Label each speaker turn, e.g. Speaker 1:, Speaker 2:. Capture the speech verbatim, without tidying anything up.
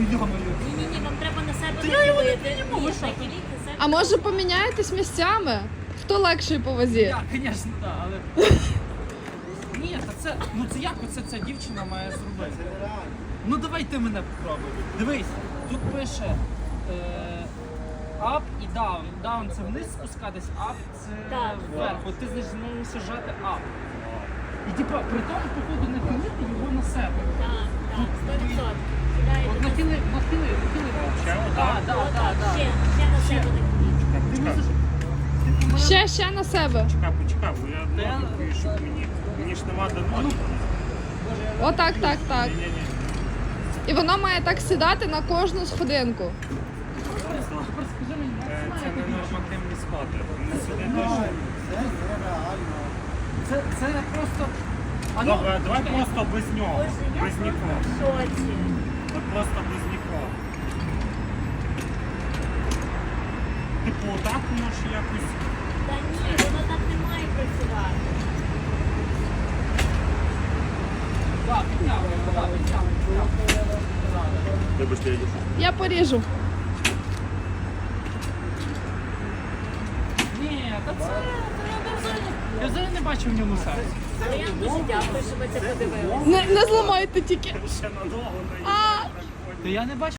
Speaker 1: йомаю.
Speaker 2: Ні-ні-ні, вам треба на себе
Speaker 1: Та я його не
Speaker 2: наділити.
Speaker 1: підніму,
Speaker 2: Ні,
Speaker 1: ви що?
Speaker 2: наділіть на себе.
Speaker 3: А може поміняєтесь місцями? Хто легший по вазі?
Speaker 1: Я, звісно, так, але... Ні, та це, ну це як оце ця дівчина має зробити? Ну давай ти мене попробуй. Дивись, тут пише е, up і down. Down це вниз спускатись, up це
Speaker 2: Так.
Speaker 1: вверх. От ти значить мусиш жати up. І типа при тому, походу, нахилити його на себе.
Speaker 2: Так, так, сто відсотків.
Speaker 1: От
Speaker 2: Кидаєте на
Speaker 1: нахили, нахили, нахили. Так, так, так,
Speaker 2: Отак,
Speaker 1: так.
Speaker 2: ще, ще на себе накидіть.
Speaker 1: Ти мусиш... ти мене-
Speaker 3: Ще, ще на себе.
Speaker 4: Чекай, почекай, бо я
Speaker 1: Та я-
Speaker 4: ноги, щоб мені. Мені ж нема до ноги.
Speaker 3: Отак, так, так.
Speaker 4: Ні-ні-ні.
Speaker 3: І воно має так сідати на кожну сходинку.
Speaker 1: Тепер скажи мені,
Speaker 4: Е,
Speaker 1: як
Speaker 4: Це
Speaker 1: це
Speaker 4: не
Speaker 1: має
Speaker 4: нормативні сходи. Вони сюди
Speaker 1: Ну,
Speaker 4: точно.
Speaker 1: Це, це просто... А ну,
Speaker 4: Добре, давай
Speaker 1: чекай,
Speaker 4: просто без нього.
Speaker 2: Боже, я
Speaker 4: Без нікого.
Speaker 2: в шоці.
Speaker 4: От просто без нікого. Типу, отак можеш якось.
Speaker 2: Та ні, воно так не має працювати.
Speaker 1: Так, підтягуй, так, підтягуй, підтягуй.
Speaker 4: Вибачте, я йду.
Speaker 3: Я поріжу.
Speaker 1: Ні, та це... та я взагалі, я взагалі не бачу в ньому сенсу.
Speaker 2: Але я вам дуже дякую, що ви це подивилися.
Speaker 3: Не, не зламайте тільки.
Speaker 4: Ще надовго не
Speaker 3: А!
Speaker 1: Та я не бачу.